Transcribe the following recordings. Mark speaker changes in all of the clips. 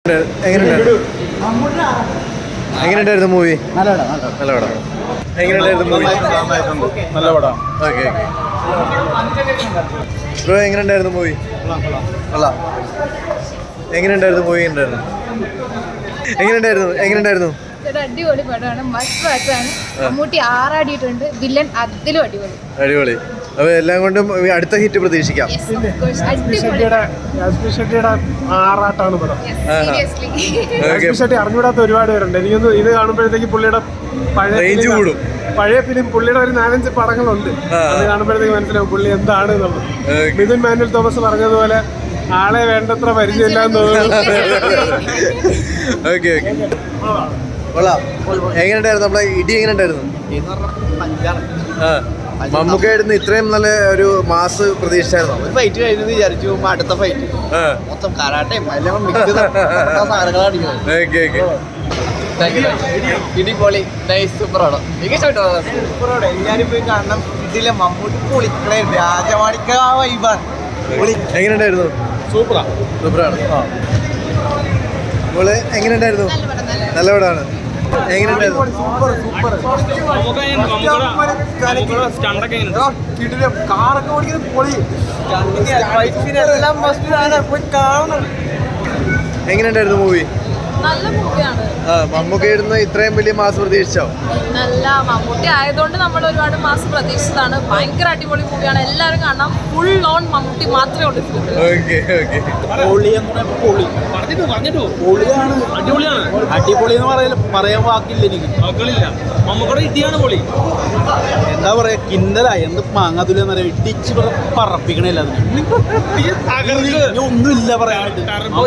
Speaker 1: എങ്ങനെയുണ്ടായിരുന്നു മൂവി? നല്ല പടം. എങ്ങനെയുണ്ടായിരുന്നു മൂവി? നല്ല പടം. ഓക്കെ ബ്രോ, എങ്ങനെയുണ്ടായിരുന്നു മൂവി? കൊള്ളാം. എങ്ങനെയുണ്ടായിരുന്നു മൂവി? എങ്ങനെയുണ്ടായിരുന്നു?
Speaker 2: അടിപൊളി പടമാണ്. മസ്റ്റ് വാച്ചാണ്. മമ്മൂട്ടി ആറാടിയിട്ടുണ്ട്. വില്ലൻ അതിലും
Speaker 1: അടിപൊളി. അപ്പൊ എല്ലാം കൊണ്ടും അടുത്ത ഹിറ്റ് പ്രതീക്ഷിക്കാം.
Speaker 3: ആറാട്ടാണ് പടം. അറിഞ്ഞൂടാത്ത ഒരുപാട് പേരുണ്ട്. എനിക്കൊന്ന് ഇത് കാണുമ്പോഴത്തേക്ക് പുള്ളിയുടെ പഴയ ഫിലിം പുള്ളിയുടെ ഒരു 4-5 പടങ്ങളുണ്ട്. അത് കാണുമ്പോഴത്തേക്ക് മനസ്സിലാവും പുള്ളി എന്താണ് എന്നുള്ളത്. മിഥുൻ മാനുവൽ തോമസ് പറഞ്ഞതുപോലെ ആളെ വേണ്ടത്ര പരിചയമില്ലാന്ന് തോന്നുന്നു.
Speaker 1: എങ്ങനെയുണ്ടായിരുന്നു നമ്മളെ ഇടി? എങ്ങനെയുണ്ടായിരുന്നു? മമ്മൂക്കായിരുന്നു ഇത്രയും നല്ല ഒരു മാസ് പ്രതീക്ഷിച്ചായിരുന്നു?
Speaker 4: ഒരു ഫൈറ്റ് കഴിഞ്ഞെന്ന് വിചാരിച്ചു. അടുത്ത ഫൈറ്റ് മൊത്തം കരാട്ടയും എല്ലാം ഇടിപൊളി. സൂപ്പറാണ്. എല്ലാരും പോയി കാണണം. ഇതിലെ മമ്മൂട്ടി പൊളിക്കണേ. രാജമാണിക്ക വൈബാണ്.
Speaker 1: എങ്ങനെയുണ്ടായിരുന്നു? സൂപ്പറാണ്. എങ്ങനെയുണ്ടായിരുന്നു? നല്ല പടമാണ്. എങ്ങനെയുണ്ടായിരുന്നു?
Speaker 4: കാറൊക്കെ ഓടിക്കുന്നത് പൊളി.
Speaker 1: എങ്ങനെയുണ്ടായിരുന്നു മൂവി?
Speaker 2: നല്ല മൂവിയാണ്.
Speaker 1: മമ്മൂക്കായിരുന്നു ഇത്രയും വലിയ മാസ് പ്രതീക്ഷിച്ചോ?
Speaker 2: നല്ല മമ്മൂട്ടി ആയതുകൊണ്ട് നമ്മൾ ഒരുപാട് മാസം പ്രതീക്ഷിച്ചതാണ്. ഭയങ്കര അടിപൊളി മൂവിയാണ്. എല്ലാവരും കാണാം. ഫുൾ ഓൺ മമ്മൂട്ടി മാത്രമേ ഉള്ളൂ.
Speaker 4: അടിപൊളി എന്ന് പറയാൻ വാക്കില്ല എനിക്ക്. മമ്മൂക്കയുടെ ഇടിയാണ് പൊളി. എന്താ പറയാ, കിന്നല എന്ത് മാങ്ങാതുലെന്ന് പറയാ. ഇടിച്ച് പറപ്പിക്കണില്ല. ഒന്നുമില്ല പറയാനായിട്ട്.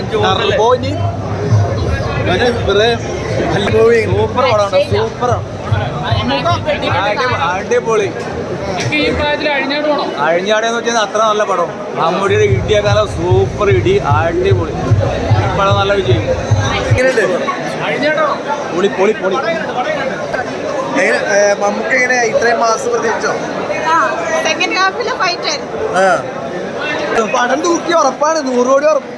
Speaker 4: സൂപ്പർ പടമാണ്. അടിപൊളി. അഴിഞ്ഞാടെന്ന് വെച്ചാൽ അത്ര നല്ല പടം. മമ്മൂടിയുടെ ഇടിയേക്കാലം സൂപ്പർ ഇടി. അടിപൊളി പടം. നല്ല വിജയം. പൊളി.
Speaker 1: മമ്മൂക്ക എങ്ങനെ ഇത്രയും മാസ് പ്രതീക്ഷിച്ചോ?
Speaker 2: സെക്കൻഡ് ഹാഫിലെ ഫൈറ്റ് ആയിരുന്നു.
Speaker 4: പടം തൂക്കി ഉറപ്പാണ്. 100 കോടി ഉറപ്പ്.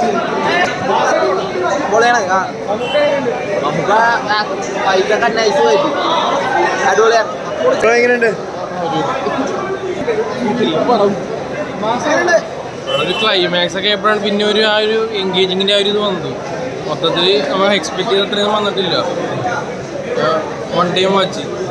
Speaker 4: പൊളിയാണ്. നമുക്ക് ഫൈറ്റൊക്കെ നൈസ് ഫൈറ്റ്. അടിപൊളിയാണ്.
Speaker 1: എങ്ങനെയുണ്ട്?
Speaker 5: ഒരു ക്ലൈമാക്സ് ഒക്കെ എപ്പോഴാണ് പിന്നെ ഒരു ആ ഒരു എൻഗേജിങ്ങിൻ്റെ ആ ഒരു ഇത് വന്നത്. മൊത്തത്തിൽ നമ്മൾ എക്സ്പെക്ട് ചെയ്ത അത്രയൊന്നും വന്നിട്ടില്ല. One time watch.